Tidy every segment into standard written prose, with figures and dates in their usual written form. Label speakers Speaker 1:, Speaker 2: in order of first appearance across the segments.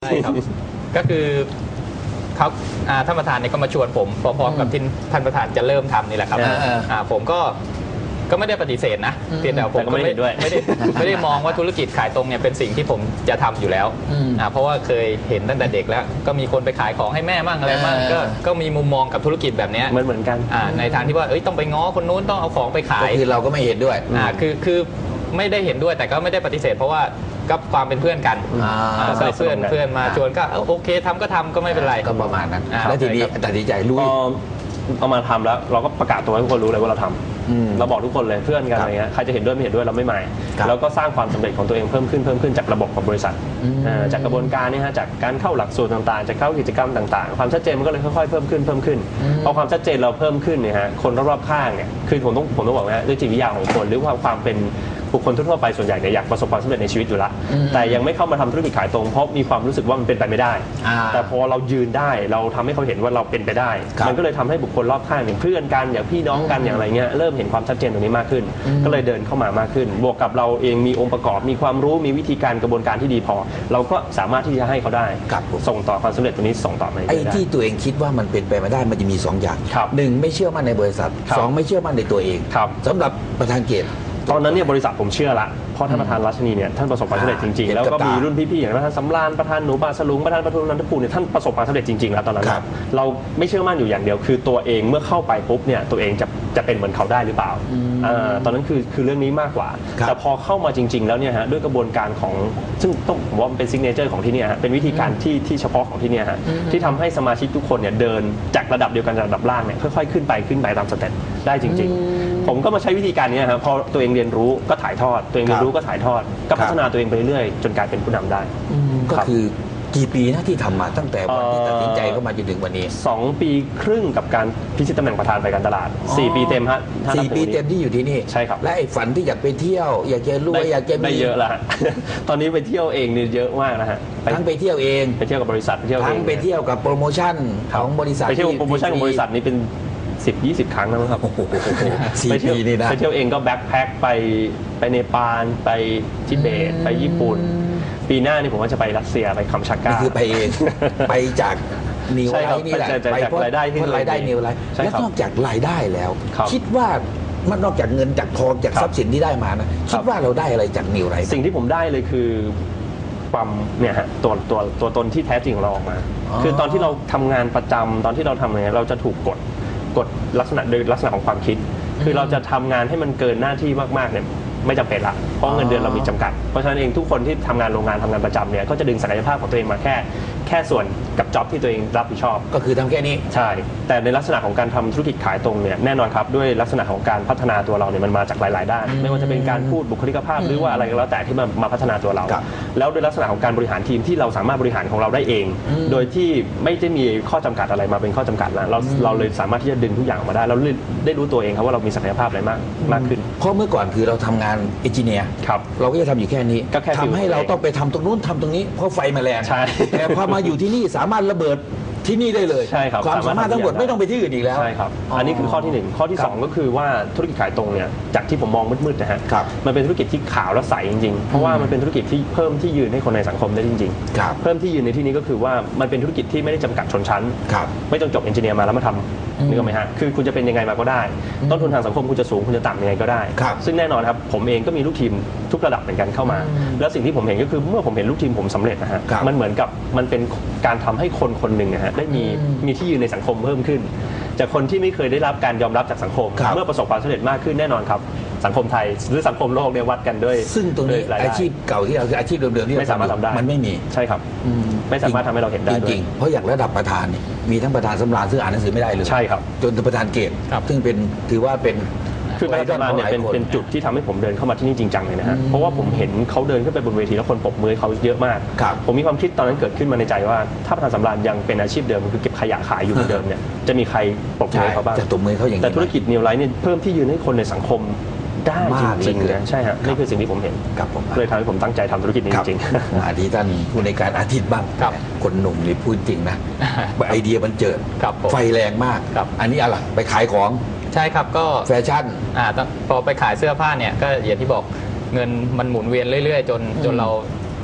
Speaker 1: ช่ครับก็คือเขาท่านประธานเนี่ยก็มาชวนผมพร้อมๆกับที่ท่านประธานจะเริ่มทำนี่แหละครับผมก็ไม่ได้ปฏิเสธนะเพียงแต่ผมก็ไม่ได้มองว่าธุรกิจขายตรงเนี่ยเป็นสิ่งที่ผมจะทำอยู่แล้วเพราะว่าเคยเห็นตั้งแต่เด็กแล้วก็มีคนไปขายของให้แม่มั่งอะไรมั่งก็มีมุมมองกับธุรกิจแบบนี้
Speaker 2: เหมือนกัน
Speaker 1: ในทางที่ว่าต้องไปง้อคนนู้นต้องเอาของไปขาย
Speaker 3: คือเราก็ไม่เห็นด้วย
Speaker 1: คือไม่ได้เห็นด้วยแต่ก็ไม่ได้ปฏิเสธเพราะว่าก็ความเป็นเพื่อนกันเพื่อนมาชวนก็โอเคทำก็ทำก็ไม่เป็นไร
Speaker 3: ก็ประมาณนั้นแล้วทีนี้ตัดสินใจลุย
Speaker 2: เอามาทำแล้วเราก็ประกาศตัวให้ทุกคนรู้เลยว่าเราทำเราบอกทุกคนเลยเพื่อนกันอะไรเงี้ยใครจะเห็นด้วยไม่เห็นด้วยเราไม่หมายแล้วก็สร้างความสำเร็จของตัวเองเพิ่มขึ้นจากระบบของบริษัทจากกระบวนการนี่ฮะจากการเข้าหลักสูตรต่างๆจากเข้ากิจกรรมต่างๆความชัดเจนมันก็เลยค่อยๆเพิ่มขึ้นพอความชัดเจนเราเพิ่มขึ้นเนี่ยฮะคนรอบๆข้างเนี่ยคือผมต้องบอกว่าด้วยจิตวิทยาของคนหรือความเป็นบุคคลทั่วไปส่วนใหญ่เนี่ยอยากประสบความสำเร็จในชีวิตอยู่แล้วแต่ยังไม่เข้ามาทำธุรกิจขายตรงเพราะมีความรู้สึกว่ามันเป็นไปไม่ได้แต่พอเรายืนได้เราทำให้เขาเห็นว่าเราเป็นไปได้มันก็เลยทำให้บุคคลรอบข้างอย่างเพื่อนกันอย่างพี่น้องกันอย่างไรเงี้ยเริ่มเห็นความชัดเจนตรงนี้มากขึ้นก็เลยเดินเข้ามามากขึ้นบวกกับเราเองมีองค์ประกอบมีความรู้มีวิธีการกระบวนการที่ดีพอเราก็สามารถที่จะให้เขาได้ส่งต่อความสำเร็จตรงนี้ส่งต่อไป
Speaker 3: ไอ้ที่ตัวเองคิดว่ามันเป็นไปไม่ได้มันจะมี2อย่าง1ไม่เชื่อมั่นในบริษัท2ไม่เชื่อมั่นในตัวเองสำหรับประธานเกต
Speaker 2: ตอนนั้นเนี่ยบริษัทผมเชื่อละเพราะท่านประธานรัชนีเนี่ยท่านประสบความสำเร็จจริงๆแล้วก็มีรุ่นพี่ๆอย่างประธานสำราญประธานหนูบาสลุงประธานประทุมนันทภูมิเนี่ยท่านประสบความสำเร็จจริงๆแล้วตอนนั้นเราไม่เชื่อมั่นอยู่อย่างเดียวคือตัวเองเมื่อเข้าไปปุ๊บเนี่ยตัวเองจะเป็นเหมือนเขาได้หรือเปล่าตอนนั้นคือเรื่องนี้มากกว่าแต่พอเข้ามาจริงๆแล้วเนี่ยฮะด้วยกระบวนการของซึ่งต้องผมว่ามันเป็นซิกเนเจอร์ของที่นี่ฮะเป็นวิธีการที่เฉพาะของที่นี่ฮะที่ทำให้สมาชิกทุกคนเนี่ยเดินจากระดับเดียวกันระดับล่างเนี่ยค่อยๆขึ้นไปตามสเต็ปได้จริงๆผมก็มาใช้วิธีการนี้ครับพอตัวเองเรียนรู้ก็ถ่ายทอดตัวเองเรียนรู้ก็ถ่ายทอดก็พัฒนาตัวเองไปเรื่อยๆจนกลายเป็นผู้นำได้
Speaker 3: ก็คือกี่ปีนะที่ทำมาตั้งแต่วันที่ตัดสินใจเข้ามาจนถึงวันนี้
Speaker 2: 2 ปีครึ่งกับการพิชิตตำแหน่งประธานฝ่ายการตลาด4 ปีเต็มฮะ
Speaker 3: 4 ปีเต็มที่อยู่ที่นี่
Speaker 2: ใช่ครับ
Speaker 3: และไอ้ฝันที่อยากไปเที่ยวอยากจะรวยอยากจะ
Speaker 2: ได้เยอะแล้วตอนนี้ไปเที่ยวเองเนี่ยเยอะมากนะฮะ
Speaker 3: ทั้งไปเที่ยวเอง
Speaker 2: ไปเที่ยวกับบริษัท
Speaker 3: ทั้งไปเที่ยวกับโปรโมชั่นของบริษัท
Speaker 2: ไปเที่ยวโปรโมชั่นของบริษัทนี้เป็น10-20 ครั้งนะครับ
Speaker 3: ไปเที่ยวนี่นะ
Speaker 2: ไปเที่ยวเองก็แบ็คแพ็คไปเนปาลไปทิเบตไปญี่ปุ่นปีหน้านี่ผมว่าจะไปรัสเซียไปคัมชาก้า
Speaker 3: คือไปเองไปจากนิวไลท์นี่แหละไปเพราะรายได้นิวไลท์แล้วนอกจากรายได้แล้วคิดว่ามันนอกจากเงินจากทองจากทรัพย์สินที่ได้มานะคิดว่าเราได้อะไรจากนิวไลท์
Speaker 2: สิ่งที่ผมได้เลยคือความเนี่ยฮะตัวตนที่แท้จริงของเราออกมาคือตอนที่เราทำงานประจำตอนที่เราทำอะไรเราจะถูกกดลักษณะโดยลักษณะของความคิดคือเราจะทำงานให้มันเกินหน้าที่มากๆเนี่ยไม่จำเป็นละเพราะเงินเดือนเรามีจำกัดเพราะฉะนั้นเองทุกคนที่ทำงานโรงงานทำงานประจำเนี่ยก็จะดึงศักยภาพของตัวเองมาแค่ส่วนกับจ็อบที่ตัวเองรับผิดชอบ
Speaker 3: ก็คือทำแค่นี้
Speaker 2: ใช่แต่ในลักษณะของการทำธุรกิจขายตรงเนี่ยแน่นอนครับด้วยลักษณะของการพัฒนาตัวเราเนี่ยมันมาจากหลายๆด้านไม่ว่าจะเป็นการพูดบุคลิกภาพหรือว่าอะไรก็แล้วแต่ที่มาพัฒนาตัวเราแล้วด้วยลักษณะของการบริหารทีมที่เราสามารถบริหารของเราได้เองโดยที่ไม่ได้มีข้อจำกัดอะไรมาเป็นข้อจำกัดแล้วเราเลยสามารถที่จะดึงทุกอย่างมาได้เราได้รู้ตัวเองครับว่าเรามีศักยภาพอะไรมากขึ้น
Speaker 3: เพราะเมื่อก่อนคือเราทำงานเอนจิเนียร์เราก็จะทำอยู่แค่นี้ทำให้เราต้องไปทำตรงนู้นทำตรงนี้เพราะไฟมาแรงแต่พอมาอยู่ที่นี่สามารถระเบิดที่นี่ได้เลย
Speaker 2: ใช่ครับ
Speaker 3: ความสามารถทั้งหมดไม่ต้องไปที่อื่นอีกแล้ว
Speaker 2: ใช่ครับอันนี้คือข้อที่1ข้อที่2ก็คือว่าธุรกิจขายตรงเนี่ยจากที่ผมมองมืดๆนะฮะมันเป็นธุรกิจที่ขาวและใสจริงๆเพราะว่ามันเป็นธุรกิจที่เพิ่มที่ยืนให้คนในสังคมได้จริงๆเพิ่มที่ยืนในที่นี้ก็คือว่ามันเป็นธุรกิจที่ไม่ได้จำกัดชนชั้นไม่ต้องจบเอนจิเนียร์มาแล้วมาทำนึกออกไหมฮะคือคุณจะเป็นยังไงมาก็ได้ต้นทุนทางสังคมคุณจะสูงคุณจะต่ำยังไงก็ได้ซึ่งแน่นอนครับผมเองก็มีลูกทีมทุกระดับเหมือนกันเข้ามาแล้วสิ่งที่ผมเห็นก็คือเมื่อผมเห็นลูกทีมผมสำเร็จนะฮะมันเหมือนกับมันเป็นการทำให้คนหนึ่งนะฮะได้มีที่ยืนในสังคมเพิ่มขึ้นจากคนที่ไม่เคยได้รับการยอมรับจากสังคมเมื่อประสบความสำเร็จมากขึ้นแน่นอนครับสังคมไทยหรือสังคมโลกเนี่ยวัดกันด้วย
Speaker 3: ซึ่งตรงนี้อาชีพเก่าที่เราคืออาชีพเดิมๆที่
Speaker 2: ไม่สามารถทำได้
Speaker 3: มันไม่มี
Speaker 2: ใช่ครับไม่สามารถทำให้เราเห็นได้
Speaker 3: จริงๆเพราะอย่างระดับประธานนี่มีทั้งประธานสำราญซึ่งอ่านหนังสือไม่ได้เลย
Speaker 2: ใช่ครับ
Speaker 3: จนประธานเกตซึ่งเป็นถือว่าเป็น
Speaker 2: คือประธานเนี่ยเป็นจุดที่ทำให้ผมเดินเข้ามาที่นี่จริงจังเลยนะฮะเพราะว่าผมเห็นเขาเดินขึ้นไปบนเวทีแล้วคนปรบมือเขาเยอะมากผมมีความคิดตอนนั้นเกิดขึ้นมาในใจว่าถ้าประธานสำราญยังเป็นอาชีพเดิมคือเก็บขยะขายอยู่เหมือนเดิมเนี่ยจะมีใครปรบมือเขาบ้างแต่ธุรกิจนิวไลท์เนี่ยเพิ่มที่ยืนให้คนในสังคมได้จริงๆนะใช่ฮะนี่คือสิ่งที่ผมเห็นเลยทำให้ผมตั้งใจทำธุรกิจนี้จริง
Speaker 3: ๆอาทิตย์ท่านผู้ในการอาทิตย์บ้างคนหนุ่มนี่พูดจริงนะไอเดียมันเจิดไฟแรงมากอันนี้อะไรไปขายของ
Speaker 1: ใช่ครับก็
Speaker 3: แฟชั่น
Speaker 1: พอไปขายเสื้อผ้าเนี่ยก็อย่างที่บอกเงินมันหมุนเวียนเรื่อยๆจนเรา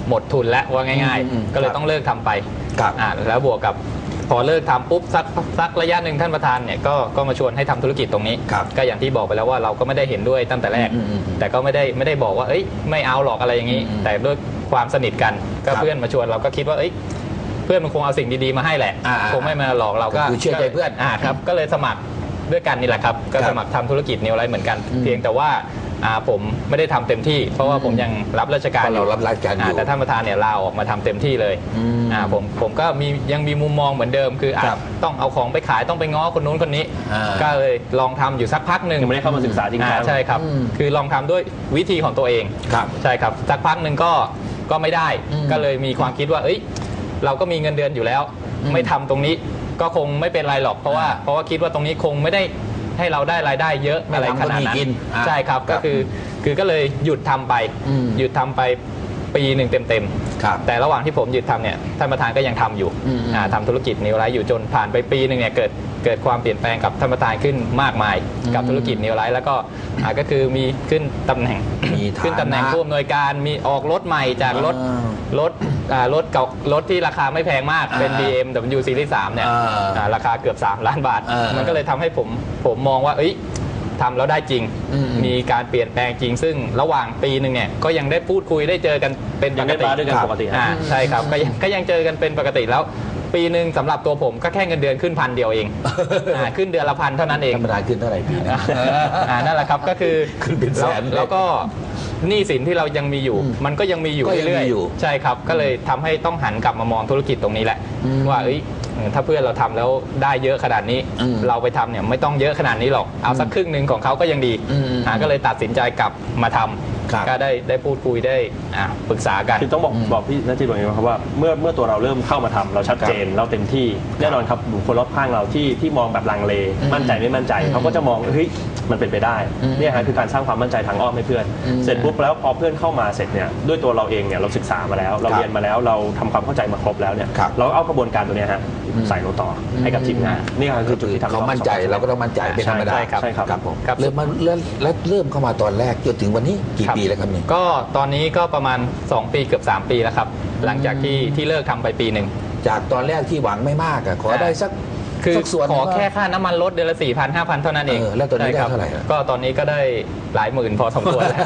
Speaker 1: หมดทุนแล้วว่าง่ายๆก็เลยต้องเลิกทำไปแล้วบวกกับพอเลิกทำปุ๊บสักระยะหนึ่งท่านประธานเนี่ยก็มาชวนให้ทำธุรกิจตรงนี้ก็อย่างที่บอกไปแล้วว่าเราก็ไม่ได้เห็นด้วยตั้งแต่แรกแต่ก็ไม่ได้บอกว่าไม่เอาหรอกอะไรอย่างนี้แต่ด้วยความสนิทกันก็เพื่อนมาชวนเราก็คิดว่าเพื่อนมันคงเอาสิ่งดีๆมาให้แหละคงไม่มาหลอกเราก็
Speaker 3: เชื่อใจเพื่อน
Speaker 1: ครับก็เลยสมัครด้วยกันนี่แหละครับก็สมัครทำธุรกิจนิวไลท์เหมือนกันเพียงแต่ว่าผมไม่ได้ทำเต็มที่เพราะว่าผมยังรับราชการอยู่แต่ท่านประธานเนี่ยลาออกมาทำเต็มที่เลยผมก็ยังมีมุมมองเหมือนเดิมคือต้องเอาของไปขายต้องไปง้อคนนู้นคนนี้ก็เลยลองทำอยู่สักพักหนึ่ง
Speaker 2: ยังไม่ได้เข้ามาศึกษาจริงๆ
Speaker 1: ใช่ครับคือลองทำด้วยวิธีของตัวเองใช่ครับสักพักหนึ่งก็ไม่ได้ก็เลยมีความคิดว่าเราก็มีเงินเดือนอยู่แล้วไม่ทำตรงนี้ก็คงไม่เป็นไรหรอกเพราะว่าคิดว่าตรงนี้คงไม่ได้ให้เราได้รายได้เยอะอะไรขนาดนั้นใช่ครับก็คือก็เลยหยุดทำไปปีหนึ่งเต็มๆแต่ระหว่างที่ผมหยุดทำเนี่ยท่านประธานก็ยังทำอยู่ทำธุรกิจนิวไลท์อยู่จนผ่านไปปีหนึ่งเนี่ยเกิดความเปลี่ยนแปลงกับท่านประธานขึ้นมากมายกับธุรกิจนิวไลท์แล้วก็คือมีขึ้นตำแหน่งผู้อำนวยการมีออกรถใหม่จากรถเก่ารถที่ราคาไม่แพงมากเป็น BMW Series 3เนี่ยราคาเกือบ3 ล้านบาทมันก็เลยทำให้ผมมองว่าทำแล้วได้จริงมีการเปลี่ยนแปลงจริงซึ่งระหว่างปีหนึ่งเนี่ยก็ยังได้พูดคุยได้เจอกันเป็นปกติ
Speaker 2: ด้วยกันปกติ
Speaker 1: ใช่ครับก็ยังเจอกันเป็นปกติแล้วปีหนึ่งสำหรับตัวผมก็แค่เงินเดือนขึ้น1,000 เดียวเองขึ้นเดือนละ1,000เท่านั้นเอง
Speaker 3: ธรรมดาขึ้นเท่าไหร่ปี
Speaker 1: นั่นแหละครับก็คือ
Speaker 3: ขึ้นเป็นแสน
Speaker 1: แล้วก็หนี้สินที่เรายังมีอยู่มันก็ยังมีอยู่เรื่อยๆใช่ครับก็เลยทำให้ต้องหันกลับมามองธุรกิจตรงนี้แหละว่าถ้าเพื่อนเราทำแล้วได้เยอะขนาดนี้เราไปทำเนี่ยไม่ต้องเยอะขนาดนี้หรอกเอาสักครึ่งหนึ่งของเขาก็ยังดีก็เลยตัดสินใจกลับมาทำก็ได้พูดคุยได้ปรึกษากัน
Speaker 2: คือต้องบอกพี่นัทจิตบอกอย่างนี้ครับว่าเมื่อตัวเราเริ่มเข้ามาทำเราชัดเจนเราเต็มที่แน่นอนครับบุคคลรอบข้างเราที่มองแบบลังเลมั่นใจไม่มั่นใจเขาก็จะมองมันเป็นไปได้เนี่ยฮะคือการสร้างความมั่นใจทางอ้อมให้เพื่อนเสร็จปุ๊บแล้วพอเพื่อนเข้ามาเสร็จเนี่ยด้วยตัวเราเองเนี่ยเราศึกษามาแล้วเราเรียนมาแล้วเราทำความเข้าใจมาครบแล้วเนี่ยเราเอากระบวนการตัวนี้ฮะใส่ลงต่อให้กับทีมงานนี่คือจุดที่ทำ
Speaker 3: เขามั่นใจเราก็ต้องมั่นใจเป็นธรรมดา
Speaker 2: ใช่ครับ
Speaker 3: ผมเริ่มเข้ามาตอนแรกจนถึงวันนี้กี่ปีแล้วครับนี่
Speaker 1: ก็ตอนนี้ก็ประมาณ2 ปีเกือบ3 ปีแล้วครับหลังจากที่เลิกทำไปปีหนึ่ง
Speaker 3: จากตอนแรกที่หวังไม่มากขอได้สัก
Speaker 1: ส่วนขอแค่ค่าน้ำมันรถเดือนละ 4,000 5,000 เท่านั้นเอง
Speaker 3: แล้วตอนนี้ได้เท่าไหร่
Speaker 1: ก็ตอนนี้ก็ได้หลายหมื่นพอสมควรแล้ว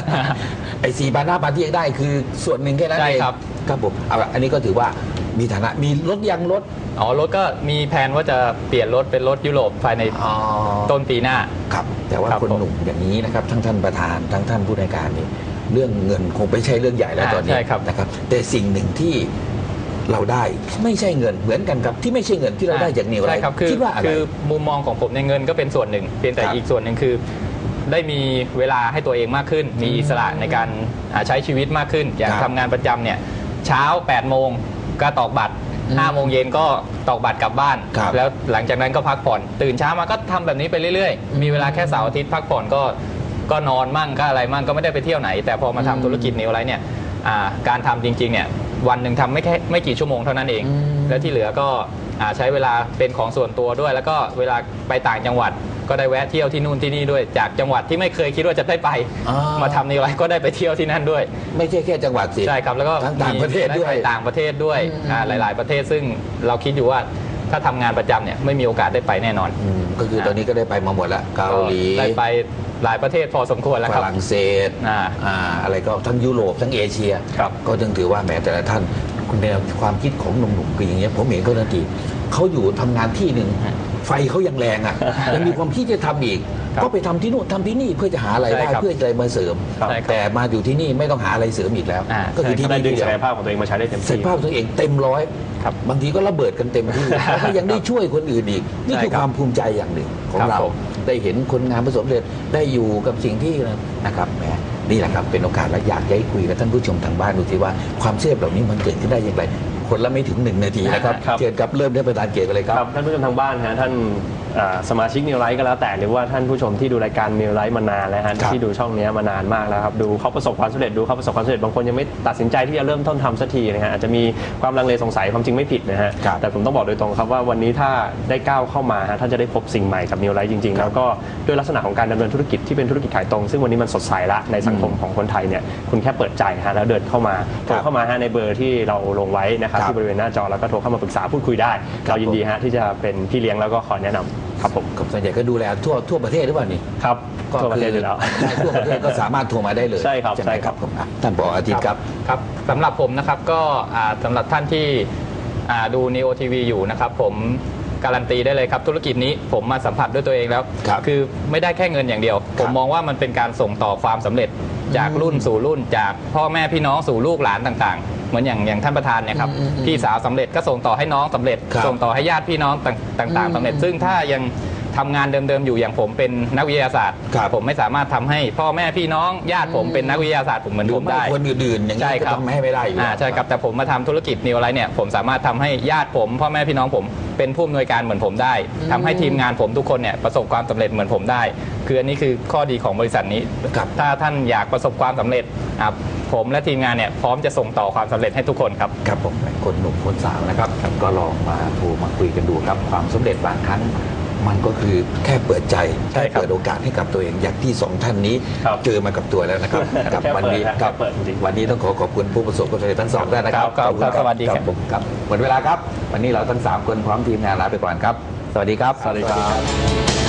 Speaker 3: 4,000 5,000ที่ยังได้คือส่วนหนึ่งแค่นั้นเองครับผมอันนี้ก็ถือว่ามีฐานะมีรถยังรถ
Speaker 1: รถก็มีแผนว่าจะเปลี่ยนรถเป็นรถยุโรปภายในต้นปีหน้า
Speaker 3: ครับแต่ว่าคนหนุ่มอย่างนี้นะครับทั้งท่านประธานทั้งท่านผู้ในการนี่เรื่องเงินคงไม่ใช่เรื่องใหญ่แล้วตอนนี้นะครับแต่สิ่งหนึ่งที่เราได้ไม่ใช่เงินเหมือนกันครับที่ไม่ใช่เงินที่เราได้จากนิวไลท์
Speaker 1: คิดว่าคือมุมมองของผมในเงินก็เป็นส่วนหนึ่งเพียงแต่อีกส่วนหนึ่งคือได้มีเวลาให้ตัวเองมากขึ้นมีอิสระในการใช้ชีวิตมากขึ้นอย่างทำงานประจำเนี่ยเช้า8 โมงก็ตอกบัตร5 โมงเย็นก็ตอกบัตรกลับบ้านแล้วหลังจากนั้นก็พักผ่อนตื่นเช้ามาก็ทำแบบนี้ไปเรื่อยๆมีเวลาแค่เสาร์อาทิตย์พักผ่อนก็นอนมั่งก็อะไรมั่งก็ไม่ได้ไปเที่ยวไหนแต่พอมาทำธุรกิจนิวไลท์เนี่ยการทำจริงๆเนี่ยวันหนึ่งทำไม่กี่ชั่วโมงเท่านั้นเองแล้วที่เหลือก็ใช้เวลาเป็นของส่วนตัวด้วยแล้วก็เวลาไปต่างจังหวัดก็ได้แวะเที่ยวที่นู่นที่นี่ด้วยจากจังหวัดที่ไม่เคยคิดว่าจะได้ไปมาทำนิวไลท์ก็ได้ไปเที่ยวที่นั่นด้วย
Speaker 3: ไม่ใช่แค่จังหวัดสิ
Speaker 1: ใช่ครับแล้วก็
Speaker 3: ต่างประเทศด้วย
Speaker 1: ต่างประเทศด้วยหลายๆประเทศซึ่งเราคิดอยู่ว่าถ้าทำงานประจำเนี่ยไม่มีโอกาสได้ไปแน่นอน
Speaker 3: ก็คือตอนนี้ก็ได้ไปมาหมดแล้วเกาหลี
Speaker 1: ได้ไปหลายประเทศพอสมควรแล้วครับ
Speaker 3: ฝรั่งเศสอะไรก็ทั้งยุโรปทั้งเอเชียก็จึงถือว่าแม้แต่ละท่านคุณแนวความคิดของหนุ่มๆคืออย่างเงี้ยผมเห็นเขาทันทีเขาอยู่ทำงานที่หนึ่งไฟเขายังแรงยังมีความคิดจะทำอีกก็ไปทำที่นู่นทำที่นี่เพื่อจะหาอะไรได้เพื่ออะไรมาเสริมแต่มาอยู่ที่นี่ไม่ต้องหาอะไรเสริมอีกแล้ว
Speaker 2: ก็คือที่นี่ดึงศักยภาพของตัวเองมาใช้ได้เต็มที่
Speaker 3: ศักยภาพตัวเองเต็มร้อยบางทีก็ระเบิดกันเต็มที่แล้วก็ยังได้ช่วยคนอื่นอีกนี่คือความภูมิใจอย่างหนึ่งของเราได้เห็นคนงานประสบเร็จได้อยู่กับสิ่งที่นะครับแหมนี่แหละครับเป็นโอกาสและอยากให้คุยกับท่านผู้ชมทางบ้านดูสิว่าความเชื่อเหล่านี้มันเกิดขึ้นได้อย่างไรคนละไม่ถึง1 นาทีนะครับ
Speaker 2: ครับ
Speaker 3: เชิญครับเริ่มด้วยประธานเกียรติเลยครับ
Speaker 2: ครับท่านผู้ชมทางบ้านฮะท่านสมาชิกนิวไลท์ก็แล้วแต่หรือว่าท่านผู้ชมที่ดูรายการนิวไลท์มานานแล้วฮะ
Speaker 3: ครับ
Speaker 2: ที่ดูช่องนี้มานานมากแล้วครับดูเขาประสบความสำเร็จดูเขาประสบความสำเร็จบางคนยังไม่ตัดสินใจที่จะเริ่มต้นทำสักทีนะฮะอาจจะมีความลังเลสงสัยความจริงไม่ผิดนะฮะ
Speaker 3: ครับ
Speaker 2: แต่ผมต้องบอกโดยตรงครับว่าวันนี้ถ้าได้ก้าวเข้ามาฮะท่านจะได้พบสิ่งใหม่กับนิวไลท์จริงๆ แล้วก็ด้วยลักษณะของการดำเนินธุรกิจที่เป็นธุรกิจขายตรงซึ่งวันนี้มันสดใสละในสังคมของคนไทยเนี่ยคุณแค่เปิดใจฮะแล้วเดินเข้ามาโทรเข้ามาฮะในเบอร์ที่เราลงไว้นะครับ
Speaker 3: ครับ
Speaker 2: ที่บริเวณหน้าจอแล้วก็โทรเข้ามาปรึกษาพูดคุยได้
Speaker 3: ครับ
Speaker 2: เรายินดีฮะที่จะเป็นพี่เลี้ยงแล้วก็คอยแนะนำครับผม
Speaker 3: กับส่วนใหญ่ก็ดูแลทั่วประเทศหรือเปล่านี่
Speaker 2: ครับ
Speaker 3: ก็
Speaker 2: ทั่วประเทศ
Speaker 3: คื
Speaker 2: อยู่แล้ว
Speaker 3: ได้ทั่วประเทศก็สามารถโทรมาได้เลย
Speaker 2: ใช่ครับ
Speaker 3: ไหม
Speaker 2: ใช่ครับ
Speaker 3: ผมท่านผออาทิตย์ครับ
Speaker 1: ครับสำหรับผมนะครับก็สำหรับท่านที่ดู Neo TV อยู่นะครับผมการันตีได้เลยครับธุรกิจนี้ผมมาสัมผัสด้วยตัวเองแล้ว
Speaker 3: ครับ
Speaker 1: คือไม่ได้แค่เงินอย่างเดียว ผมมองว่ามันเป็นการส่งต่อความสำเร็จจากรุ่นสู่รุ่น จากพ่อแม่พี่น้องสู่ลูกหลานต่างๆ เหมือนอย่างท่านประธานเนี่ยครับพี่สาวสำเร็จก็ส่งต่อให้น้องสำเร็จ
Speaker 3: ครับ
Speaker 1: ส่งต่อให้ญาติพี่น้องต่างๆสำเร็จ ซึ่งถ้ายังทำงานเดิมๆอยู่อย่างผมเป็นนักวิทยาศาสตร์
Speaker 3: ครับ
Speaker 1: ผมไม่สามารถทำให้พ่อแม่พี่น้องญาติผมเป็นนักวิทยาศาสตร์ผมเหมือน
Speaker 3: หรือ
Speaker 1: ผม
Speaker 3: ไม่
Speaker 1: ได้
Speaker 3: คนอื่นๆอย่าง
Speaker 1: ใช่
Speaker 3: นี้ก็
Speaker 1: ครับ
Speaker 3: ทำให้ไม่ได้อยู่แล้ว
Speaker 1: ใช่ครับแต่ผมมาทำธุรกิจนิวไลท์เนี่ยผมสามารถทำให้ญาติผมพ่อแม่พี่น้องผมเป็นผู้อำนวยการเหมือนผมได้ทำให้ทีมงานผมทุกคนเนี่ยประสบความสำเร็จเหมือนผมได้คืออันนี้คือข้อดีของบริษัทนี้
Speaker 3: ครับ
Speaker 1: ถ้าท่านอยากประสบความสำเร็จผมและทีมงานเนี่ยพร้อมจะส่งต่อความสำเร็จให้ทุกคนครับ
Speaker 3: ครับผมคนหนุ่มคนสาวนะครับก็ลองมาโทรมาคุยกันดูครับความสำเร็จบางครั้งมันก็คือแค่เปิดใจ
Speaker 1: ใช่
Speaker 3: แค่
Speaker 1: ครับ
Speaker 3: เปิดโอกาสให้กับตัวเองอย่างที่สองท่านนี้
Speaker 2: ครับ
Speaker 3: เจอมากับตัวแล้วนะครับ กับ
Speaker 2: แค่
Speaker 3: วันนี้
Speaker 2: เปิดฮะ
Speaker 3: ครับ
Speaker 2: แค่เปิดจริงๆ
Speaker 3: วันนี้ต้องขอบคุณผู้ประสบความสำเร็จทั้งสองท่านนะครับ
Speaker 1: ครับ
Speaker 3: ขอณ
Speaker 1: ครับสวัสดีครับ
Speaker 3: ผมครับหมดเวลาครับ วันนี้เราทั้งสามคนพร้อมทีมงานลาไปก่อนครับ สวัสดีครับ
Speaker 2: สวัสดีครับ